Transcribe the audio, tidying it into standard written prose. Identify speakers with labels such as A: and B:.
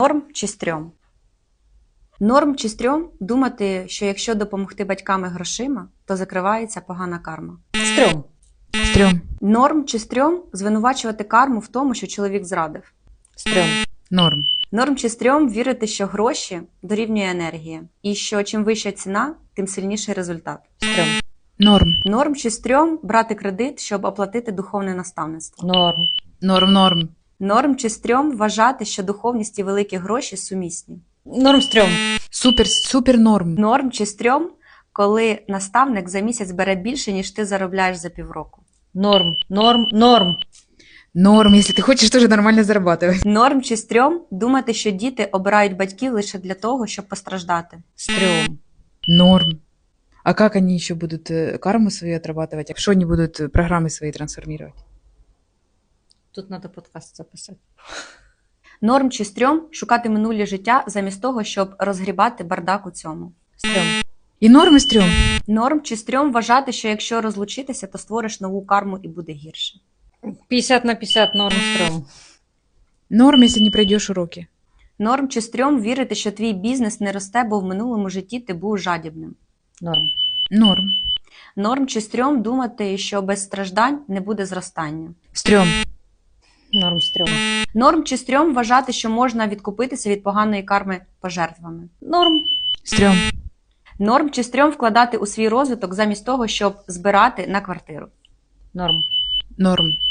A: Норм чи стрьом? Норм чи стрьом думати, що якщо допомогти батьками грошима, то закривається погана карма.
B: Стрьом.
C: Стрьом.
A: Норм чи стрьом звинувачувати карму в тому, що чоловік зрадив.
B: Стрьом.
C: Норм.
A: Норм чи стрьом вірити, що гроші дорівнює енергія, і що чим вища ціна, тим сильніший результат.
B: Стрьом.
C: Норм.
A: Норм чи стрьом брати кредит, щоб оплатити духовне наставництво.
B: Норм.
C: Норм. Норм.
A: Норм чи стрьом вважати, що духовність і великі гроші сумісні.
B: Норм. Стрьом.
C: Супер норм.
A: Норм чи стрьом, коли наставник за місяць бере більше, ніж ти заробляєш за півроку.
B: Норм. Норм. Норм.
C: Норм, если ты хочешь тоже нормально зарабатывать.
A: Норм чи стрьом думати, що діти обирають батьків лише для того, щоб постраждати.
B: Стрьом.
C: Норм. А как они еще будут карму свою отрабатывать? А что они будут программы свои трансформировать?
B: Тут треба подкаст записати.
A: Норм чи стрьом шукати минулі життя замість того, щоб розгрібати бардак у цьому.
B: Стрьом.
C: И норм, и стрём.
A: Норм чи стрьом вважати, що якщо розлучитися, то створиш нову карму і буде гірше.
B: 50/50. Норм. Стрьом.
C: Норм, если не пройдешь уроки.
A: Норм чи стрьом вірити, що твій бізнес не росте, бо в минулому житті ти був жадібним.
B: Норм.
C: Норм.
A: Норм чи стрьом думати, що без страждань не буде зростання.
C: Стрём.
B: Норм. Стрьом.
A: Норм чи стрьом вважати, що можна відкупитися від поганої карми пожертвами.
B: Норм.
C: Стрём.
A: Норм чи стрьом вкладати у свій розвиток замість того, щоб збирати на квартиру.
B: Норм.
C: Норм.